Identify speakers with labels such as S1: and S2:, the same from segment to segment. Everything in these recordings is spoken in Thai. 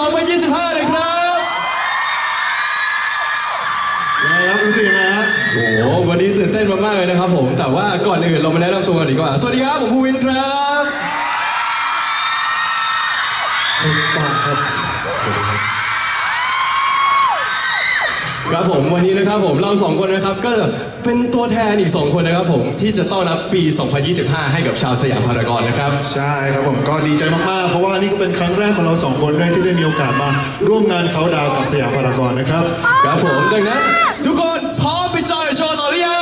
S1: 2025เลยครับ
S2: ยังไงครับรู้สึกยังไงฮะ
S1: โอ้โหวันนี้ตื่นเต้นมากๆเลยนะครับผมแต่ว่าก่อนอื่นเรามาแนะนำตัวกันดีกว่าสวัสดีครับผมภูวินครับ
S2: ถูกต้องครับ
S1: ครับผมวันนี้นะครับผมเราสองคนนะครับก็เป็นตัวแทนอีก2คนนะครับผมที่จะต้อนรับปี 2025 ให้กับชาวสยามพารากอนนะครับ
S2: ใช่ครับผมก็ดีใจมากๆเพราะว่านี่ก็เป็นครั้งแรกของเราสองคนด้วยที่ได้มีโอกาสมาร่วมงานเขาดาวกับสยามพารากอนนะครับ
S1: ครับผมดังนั้นทุกคนพร้อมไปจอยโชว์ต่อหรือยัง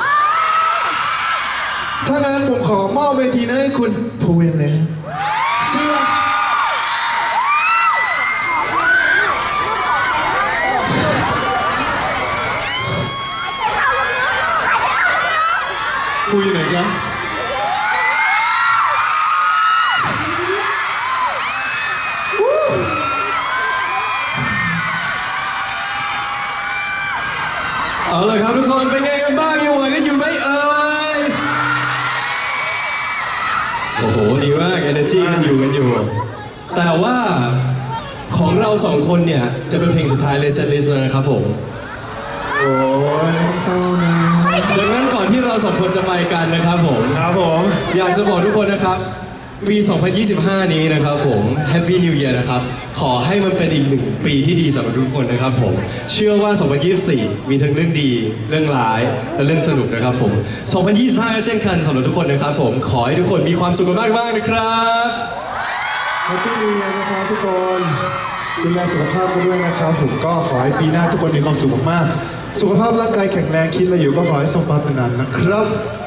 S2: ถ้างั้นผมขอมอบเวทีนั้นให้คุณภูวินเลยเสื้อภูอยู่ไหนจ๊ะ
S1: เอาเลยครับทุกคนเป็นไงกันบ้างยังไหวกันอยู่ไหมเอ่ยโอ้โหดีมาก energy กันอยู่แต่ว่าของเรา2คนเนี่ยจะเป็นเพลงสุดท้ายเลย set list นะครับผม
S2: โอ้ยเศร้านะ
S1: ดังนั้นก่อนที่เรา2คนจะไปกันนะครับผม
S2: ครับผม
S1: อยากจะบอกทุกคนนะครับปี 2025 นี้นะครับผม Happy New Year นะครับขอให้มันเป็นอีก1 ปีที่ดีสำหรับทุกคนนะครับผมเชื่อว่า 2024 มีทั้งเรื่องดีเรื่องร้ายและเรื่องสนุกนะครับผม 2025 ก็เช่นกันสำหรับทุกคนนะครับผมขอให้ทุกคนมีความสุขมากๆนะครับ
S2: Happy New Year นะครับทุกคนดูแลสุขภาพกันด้วยนะครับผมก็ขอให้ปีหน้าทุกคนมีความสุขมากๆสุขภาพร่างกายแข็งแรงคิดอะไรอยู่ก็ขอให้สมปรารถนานะครับ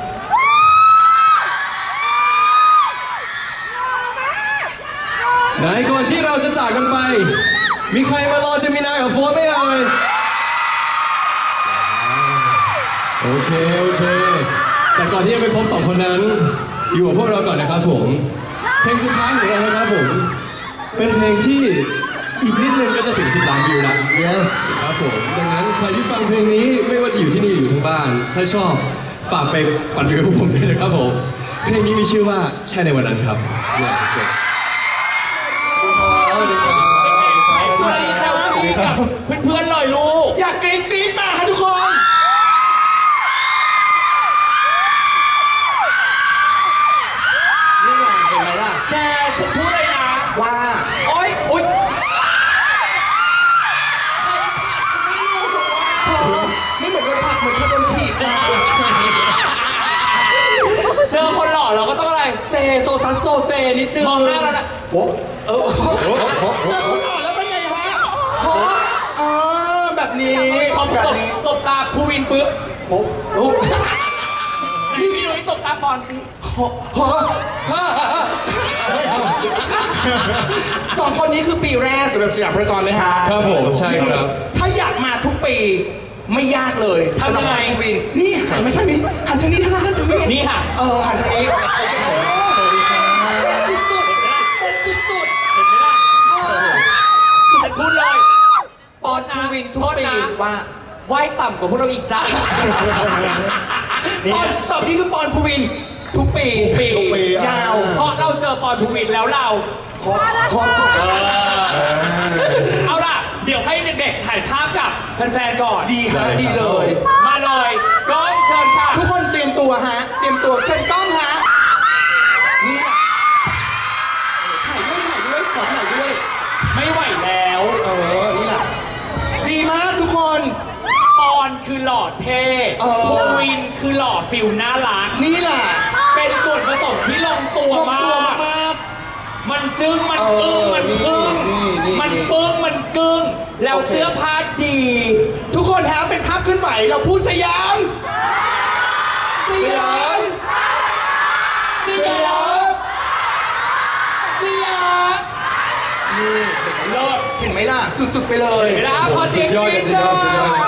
S1: ไหนก่อนที่เราจะจากกันไปมีใครมารอเจมินายกับโฟร์ไหมเอ่ยโอเคแต่ก่อนที่จะไปพบ2 คนนั้นอยู่กับพวกเราก่อนนะครับผมเพลงสุดท้ายของเรานะครับผมเป็นเพลงที่อีกนิดนึงก็จะถึง10 ล้านวิวแล้ว
S2: yes
S1: ครับผมดังนั้นใครที่ฟังเพลงนี้ไม่ว่าจะอยู่ที่นี่หรืออยู่ทางบ้านถ้าชอบฝากไปปั่นวิวกับพวกผมด้วยนะครับผมเพลงนี้มีชื่อว่าแค่ในวันนั้นครับ
S3: สวัสดีครับเพื่อนๆหน่อยลูกอยากกรี๊ดมาค่ะทุกคนนี่ไงเห็นไหมล่ะแกฉันพูดเลยนะว่าโอ๊ยไม่เหมือนโดนผลักเหมือนเธอโดนถีบนะเจอคนหล่อเราก็ต้องอะไรเซโซซัสโซเซนิดนึงมองหน้าแล้วนะโอ้เจอคนหล่อแล้วเป็นไงฮะแบบนี้พอสบตาภูวินปึ๊บพี่นุ้ยสบตาบอลสิ2 คนนี้คือปีแรกสำหรับสยามพารากอนไหมฮะ
S1: ครับผมใช่ครับ
S3: ถ้าอยากมาทุกปีไม่ยากเลยทำยังไงภูวินนี่หันมาทางนี้หันทางนี้หันทางนี้นี่ค่ะหันทางนี้สุดเห็นไหมล่ะสุดพูดเลยปอนภูวินทุกปีว่าไหวต่ำกว่าพวกเราอีกจ้าตอบนี้คือปอนภูวินทุกปียาวเพราะเราเจอปอนภูวินแล้วเราเอาล่ะเดี๋ยวให้เด็กๆถ่ายภาพกับแฟนๆก่อนดีค่ะดีเลยมาเลยกล้องเชิญค่ะทุกคนเตรียมตัวฮะเตรียมตัวเชิญกล้องฮะนี่ถ่ายด้วยขอถ่ายด้วยไม่ไหวแล้วนี่แหละดีมากทุกคนปอนคือหล่อเท่ภูวินคือหล่อฟิลน่ารักนี่แหละเป็นส่วนผสมที่ลงตัวมากมันจึ้งมันอึ้งมันพึ่งมันปึ้งมันกึ้งแล้วเสื้อผ้าดีทุกคนฮะเป็นภาพขึ้นไหวเราพูดสยามนี่เลิศเห็นไหมล่ะสุดๆไปเลยเห็นไหมล่ะพอเสียงยอดกันจริงๆเราต้องมา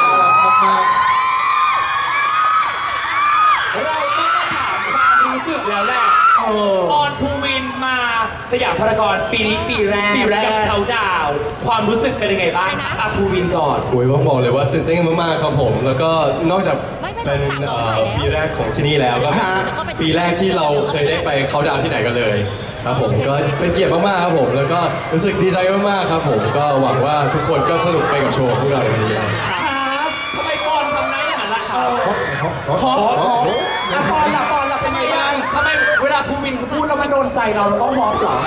S3: ถามความรู้สึกแล้วแหละปอนภูวินมาสยามพารากอนปีนี้ปีแรกกับเขาดาวความรู้สึกเป็นยังไงบ้างภูวินก่อน
S1: โอ้ยต้องบอกเลยว่าตื่นเต้นมากๆครับผมแล้วก็นอกจากเป็นปีแรกของที่นี่แล้วก็ปีแรกที่เราเคยได้ไปเขาดาวที่ไหนกันเลยครับผมก็เป็นเกียรติมากๆครับผมแล้วก็รู้สึกดีใจมากๆครับผมก็หวังว่าทุกคนก็สนุกไปกับโชว์ของพวกเราในวันนี้ครับ
S3: ครับทำไมปอนทำได้อย่างนั้นล่ะครับ
S2: ฮอป
S3: ปอนล่ะเป็นไงบ้างทำไมเวลาภูวินเขาพูดแล้วมันโดนใจเราต้องฮอปเหรอ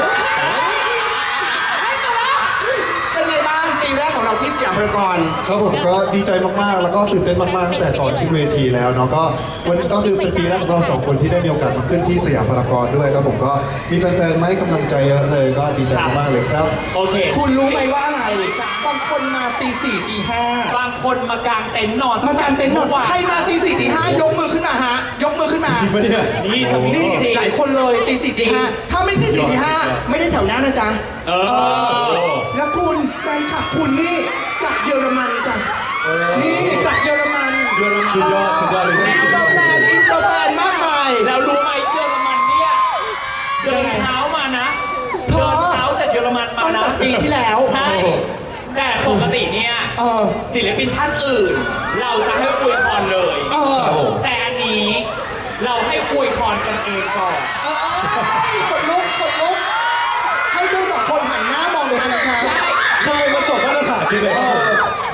S3: เป็นไงบ้างปีแรกของเราที่สยามพารากอน
S2: ครับผมก็ดีใจมากๆ แล้วก็ตื่นเต้นมากๆตั้งแต่ก่อนขึ้นเวทีแล้วเนาะก็วันนี้ก็คือเป็นปีแรกของเราสองคนที่ได้มีโอกาสมาขึ้นที่สยามพารากอนด้วยครับผมก็มีแฟนๆมาให้กำลังใจเยอะเลยก็ดีใจมากๆเลยครับ
S3: โอเคคุณรู้ไหมว่าอะไรบางคนมาตีสี่ตีห้าบางคนมากางเต็นท์นอนมากางเต็นท์นอนใครมาตีสี่ตีห้ายกมือขึ้นมาฮะยกมือขึ้นมา
S1: จริงปะเนี่ย
S3: นี่ทำนี่หลายคนเลยตีสี่ตีห้าถ้าไม่ตีสี่ตีห้าไม่ได้แถวหน้านะจ๊ะแล้วคุณแฟนคลับคุณนี่จากเยอรมันจ้ะนี่จากเยอรมัน
S1: สุดยอดเลยจริง
S3: อินเตอร์แฟนมากมายแล้วรู้ไหมเยอรมันเนี่ยเดินเท้ามานะเดินเท้าจากเยอรมันมานะตั้งแต่ปีที่แล้วใช่แต่ปกติเนี่ยศิลปินท่านอื่น เราจะให้อวยพรเลยแต่อันนี้เราให้อวยพรกันเองก่อนคนลุกให้ทั้งสองคนหันหน้ามองกันนะครับ
S1: ทำไมมันจบมาตรฐานจริงเลยครับผม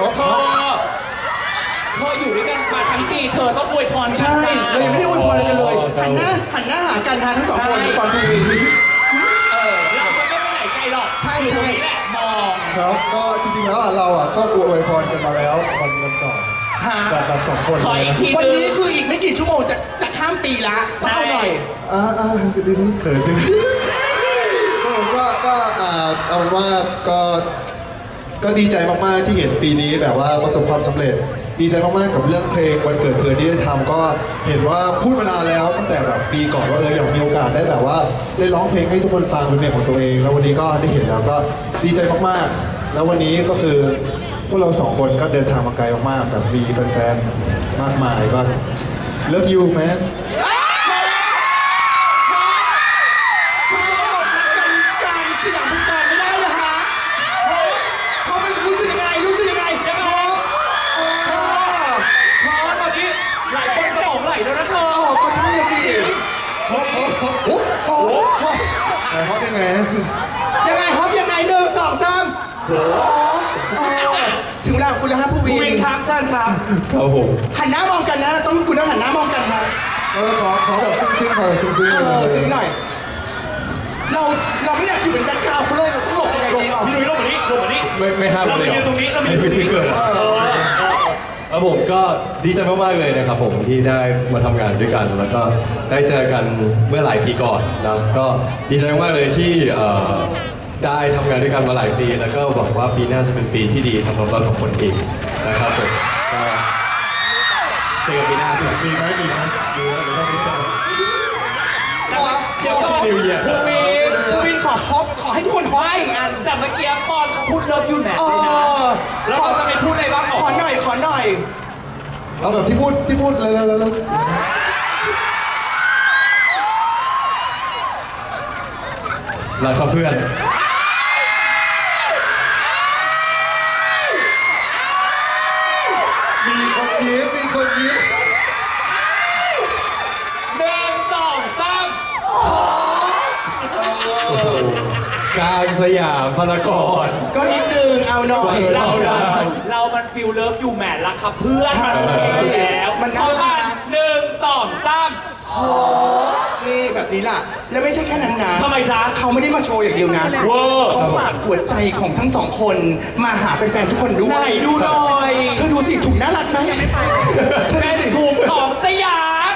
S3: เธออยู่ด้วยกันมาทั้งปีเธอต้องอวยพรกันใช่เรายังไม่ได้อวยพรกันเลยหันหน้าหากันทานทั้งสองคนก่อนดูเราจะไม่ไปไหนไกลหรอกใช่นี่แหละมอง
S2: ครับก็จริงๆแล้วเราก็อวยพรกันมาแล้ววันก่อนแบบสองคน
S3: ขออีกทีวันนี้คืออีกไม่กี่ชั่วโมงจะข้ามปีละเศร้าหน่อย
S2: ดีนี้เขินจริงก็เอาว่าก็ดีใจมากๆที่เห็นปีนี้แบบว่าประสบความสำเร็จ ดีใจมากๆกับเรื่องเพลงวันเกิดเธอที่ได้ทำก็เห็นว่าพูดมานานแล้วตั้งแต่แบบปีก่อนว่าอยากมีโอกาสได้แบบว่าได้ร้องเพลงให้ทุกคนฟังเป็นเพลงของตัวเองแล้ววันนี้ก็ได้เห็นแล้วก็ดีใจมากๆแล้ววันนี้ก็คือพวกเราสองคนก็เดินทางมาไกลมากๆแบบมีแฟนๆมากมายก็เลิฟยูแมนฮอปยังไงฮอปยังไง1 2 3ถึงเวลาคุณแล้วฮะผู้วินครับเชิญครับ
S1: ครับผม
S3: หันหน้ามองกันนะคุณต้องหันหน้ามองกันครับ
S2: ขอแบบซึ้งๆซึ้ง
S3: ซึ้งหน่อยเราไม่อยากอยู่เป็นแบ็คกราวด์เขาเลยเราต้องหลบยังไงดีพี่นุ้ยหลบมานี่
S1: ไม่ห้ามเลยเราไปยืนตรงนี้เราไปยืนตรงนี้เกิดแล้วผมก็ดีใจมากๆเลยนะครับผมที่ได้มาทำงานด้วยกัน แล้วก็ได้เจอกันเมื่อหลายปีก่อนนะก็ดีใจมากๆเลยที่ได้ทำงานด้วยกันมาหลายปี แล้วก็หวังว่าปีหน้าจะเป็นปีที่ดีสำหรับเราสองคนอีกนะครับผมก็เจอกันปีหน้าครับ
S2: ดีไหมดีแล้วเดี๋ยวต้องรู้จัก
S3: เดี๋ยวก็ภูวินขอให้ทุกคนฮอปอีกอันแต่เมื่อกี้ปอนเขาพูดเลิฟยูแมทเลยนะแล้วเราจะไปพูดอะไรบ้างขอหน่อย
S2: เอาแบบที่พูดแล้ว
S1: รักครับเพื่อน
S2: มีคนยิ้ม
S3: 1 2 3
S1: กลางสยามพารากอน
S3: ก็นิดนึงเอาหน่อยเรามันฟิลเลิฟยูแมทรักครับเพื่อนมันแล้วมันน่ารัก1 2 3โอ้นี่แบบนี้ล่ะแล้วไม่ใช่แค่นั้นนะทำไมจ๊ะเขาไม่ได้มาโชว์อย่างเดียวนะเขาฝากหัวใจของทั้งสองคนมาหาแฟนๆทุกคนด้วยไหนดูหน่อยเธอดูสิถุงน่ารักไหมเธอดูสิถุงของสยาม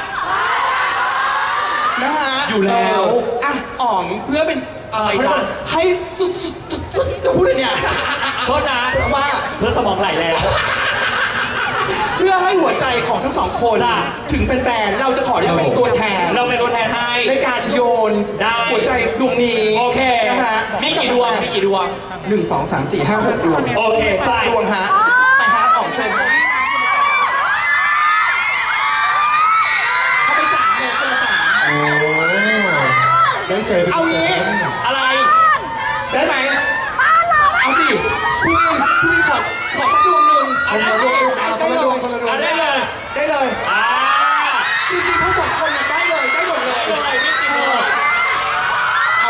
S3: นะฮะอยู่แล้วอ่ะอ๋องเพื่อเป็นให้สุดจะพูดอะไรเนี่ยโทษนะว่าเพื่อสมองไหลแล้วเพื่อให้หัวใจของทั้งสองคนถึงแฟนๆเราจะขอเรียกเป็นตัวแทนเราเป็นตัวแทนให้ในการโยนหัวใจดวงนี้โอเคนะฮะมีกี่ดวง1 2 3 4 5 6 ดวงโอเคดวงฮะไปฮะออกเชิญฮะเอาไป3เลยคนละ3
S2: โอ้ได้ใจ
S3: เอางี้อะไรได้ไหมเอาสิพี่ขอสักดวงหนึ่งได้เลยจริงๆทั้งสองคนได้เลยได้หมดเลยไม่ติดเลย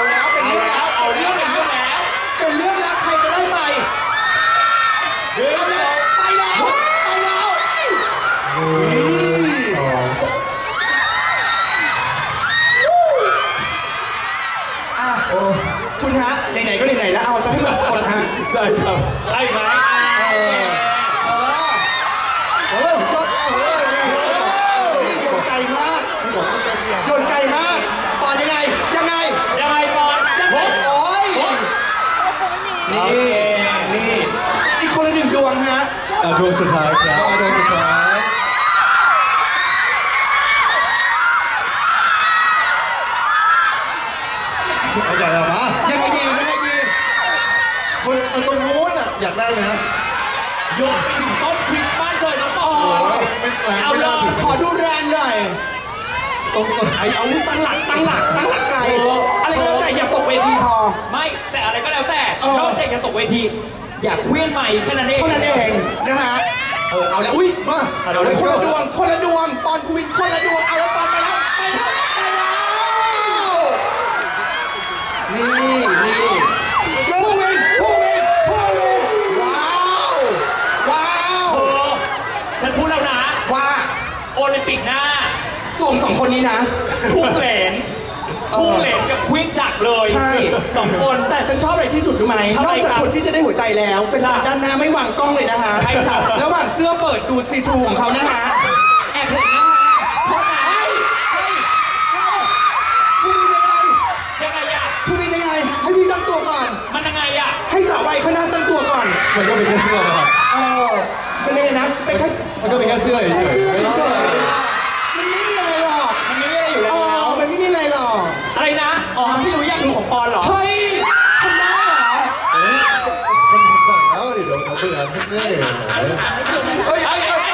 S3: อ่ะคุณฮะไหนๆก็ไหนๆแล้วเอาซะให้หมดคนฮะ
S1: ได้ครับ
S4: ได้ไหม
S3: โยนไกลมากโยนไกลมากปอนยังไงยังไง
S4: ยังไงบอล
S3: ยังไงโอ้ยนี่นี่อีกคนละหนึ่งดวงฮะ
S1: ดวงสุดท้ายครับ
S2: ก็โดยสุดท้ายเอาใจเอามา
S3: ยังไงดียังไงดี
S2: คนเอาตรงนู้นอ่ะอยากได้ไหมฮะ
S4: โยนไปถึงต้นคริสต์มาสเลยน้องบอ
S2: โอ้
S4: ล
S2: ยไม่แรง
S4: เอา
S2: ไม่
S4: เล
S2: ได้
S4: ย
S3: ขอดูแรงหน่อย
S2: ตรง
S3: ไอ้เอาตั้งหลักไกลอะไรก็แล้วแต่อย่าตกเวทีพอ
S4: ไม่แต่อะไรก็แล้วแต่
S3: เออ
S4: นอกจากจะตกเวที อย่าเคลื่อนใหม่แค่นั้นเอง
S3: เท่านั้นเองนะฮะเอาแล้วอุ้ย
S2: มา
S3: เอาแล้วคนละดวงปอนกูวินคนละดวงเอาแล้วปอนไปแล้วนี่ผู้วินว้าว
S4: เออฉันพูดแล้วนะ
S3: ว่า
S4: โอลิมปิกหน้า
S3: ส่งสองคนนี้นะ
S4: พุ่งเหรนกับควิกจักรเลย
S3: ใช่
S4: สองคน
S3: แต่ฉันชอบอะไรที่สุดรู้ไหม
S4: ทำ
S3: น
S4: ไม
S3: อกจาก
S4: ครับ
S3: คนที่จะได้หัวใจแล้วเป็น
S4: ครับ
S3: ด้านหน้าไม่วางกล้องเลยนะฮะ
S4: ใช่ครับ
S3: ระหว่างเสื้อเปิดดูซีทรูของเขานะฮะแอบเห็นนะฮะโทษนะผู้วินยังไง
S4: ยังไงอะ
S3: ให้พี่ตั้งตัวก่อน
S4: มันยังไงอะ
S3: ให้สาววัยข้างหน้าตั้งตัวก่อน
S1: มันก็เป็นแค่เสื้อนะครับ
S3: เออเป็นยังไงนะเป็นแค่
S1: มันก็เป็นแค่เสื้อเฉยๆไม่ใช่
S3: มันไม่มีอะไรหรอก
S4: มันไม่ได้อยู่
S3: เอ
S4: แล้ว
S3: อมันไม่มีอะไรหรอก
S4: อะไรนะ อ๋อพี่รู้อยากดูของปอนเหรอ
S3: เฮ้ยทำได้เหรอ
S2: แล้วดิเดี๋ยวผมเบื่อนี่
S3: เฮ้ย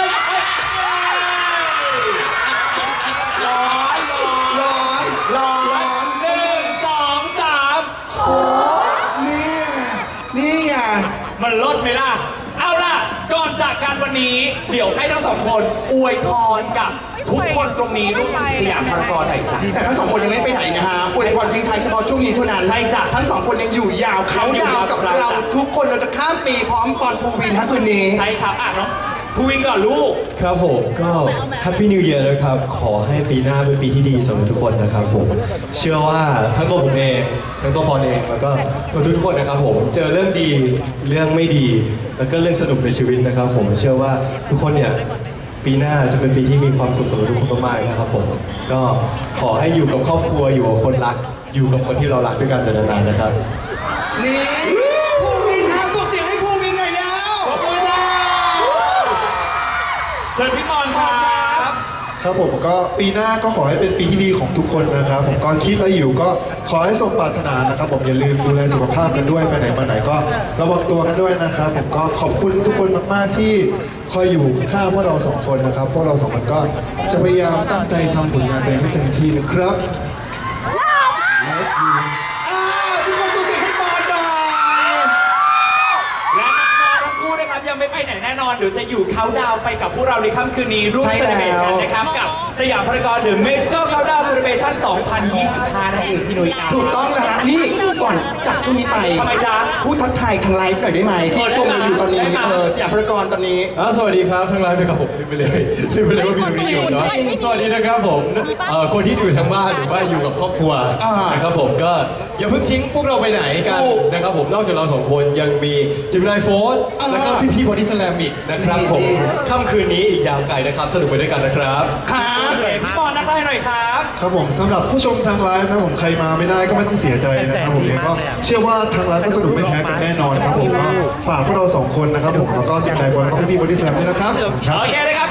S3: ร้อน
S4: หนึ่งสองสาม
S3: นี่ไง
S4: มันลดไหมล่ะ เอาล่ะ ก่อนจากกันวันนี้ เดี๋ยวให้ทั้งสองคนอวยพรกับทุกคนตรงนี้ร่วมสยามพารากอนหน่อยจ้ะ
S3: แต่ทั้งสองคนยังไม่ไปไหนนะฮะอวยพรทิ้งท้ายเฉพาะช่วงนี้เท่านั้น
S4: ใช่จ้ะ
S3: ทั้งสองคนยังอยู่ยาวเขายาวกับเราทุกคนเราจะข้ามปีพร้อมปอนภูวินทั้งคืนนี้
S4: ใช่ครับ อ่ะน้องภูวินก่อนลูก
S1: ครับผมก็ Happy New Year นะครับ ขอให้ปีหน้าเป็นปีที่ดีสำหรับทุกคนนะครับผม เชื่อว่าทั้งตัวผมเอง ทั้งตัวปอนเอง แล้วก็ตัวทุกคนนะครับผม เจอเรื่องดี เรื่องไม่ดี แล้วก็เรื่องสนุกในชีวิตนะครับผม เชื่อว่าทุกคนเนี่ย ปีหน้าจะเป็นปีที่มีความสุขสำหรับทุกคนมากๆนะครับผม ก็ขอให้อยู่กับครอบครัว อยู่กับคนรัก อยู่กับคนที่เรารักด้วยกันเป็นนานๆนะครับ
S3: นี่ภูวินฮะส่งเสียงให้ภูวินหน่อยแล้ว
S4: ขอบคุณครับเชิญพี่ปอนครับ
S2: ครับผมก็ปีหน้าก็ขอให้เป็นปีที่ดีของทุกคนนะครับผมก็คิดอะไรอยู่ก็ขอให้สมปรารถนานะครับผมอย่าลืมดูแลสุขภาพกันด้วยไปไหนมาไหนก็ระวังตัวกันด้วยนะครับผมก็ขอบคุณทุกคนมากๆที่คอยอยู่ข้างพวกเราสองคนนะครับพวกเราสองคนก็จะพยายามตั้งใจทำผลงานเพลงให้เต็มที่นะครับ
S3: ทุกคนส่งเสียงให้ปอนหน่อย
S4: และน้องๆทั้งคู่นะครับยังไม่ไปไหนแน่นอนเดี๋ยวจะอยู่เขาน์ดาวน์ไปกับพวกเราในค่ำคืนนี้ร่วมเซเลบรตกันนะครับกับสยามพารากอนหรือ Magical Countdown Celebration 2025 นั่นเองพี่นุ้ยครับ
S3: ถูกต้องแล้วฮะนี่ก่อนจากช่วงนี้ไป
S4: ทำไมจ๊ะ
S3: พูดทักทายทางไลฟ์หน่อยได้ไหมที่ชมเราอยู่ตอนนี้
S4: ได้ไหม
S3: สยามพารากอนตอนนี้
S1: สวัสดีครับทั้งไลฟ์นะครับผมลืมไปเลยว่าพี่นุ้ยอยู่เนาะสวัสดีนะครับผมคนที่อยู่ทางบ้านหรือว่าอยู่กับครอบครัว
S3: อ่าน
S1: นะครับผมก็อย่าเพิ่งทิ้งพวกเราไปไหนกัน
S3: ถูก
S1: นะครับผมนอกจากเราสองคนยังมีจิมนายโฟร์
S3: อ่า
S1: แล้วก็พี่บอดี้สแลมอีกนะครับผม
S3: ดี
S1: ค่ำคืนนี้อีกยาวไกลนะครับสนุกไปด้วยกันนะครับ
S4: ครับเดี๋ยวพี่ปอนนักไล่หน่อยครับ
S2: ครับผมสำหรับผู้ชมทางไลฟ์นะผมใครมาไม่ได้ก็ไม่ต้องเสียใจนะครับผมก็เชื่อว่าทางไลฟ์ก็สนุกไม่แพ้กันแน่นอนครับผมก็ฝากพวกเราสองคนนะครับผมแล้วก็จิมนายบอลแล้วก็พี่บอดี้สแลมด้วยนะครับครับ
S4: โอเคนะครับ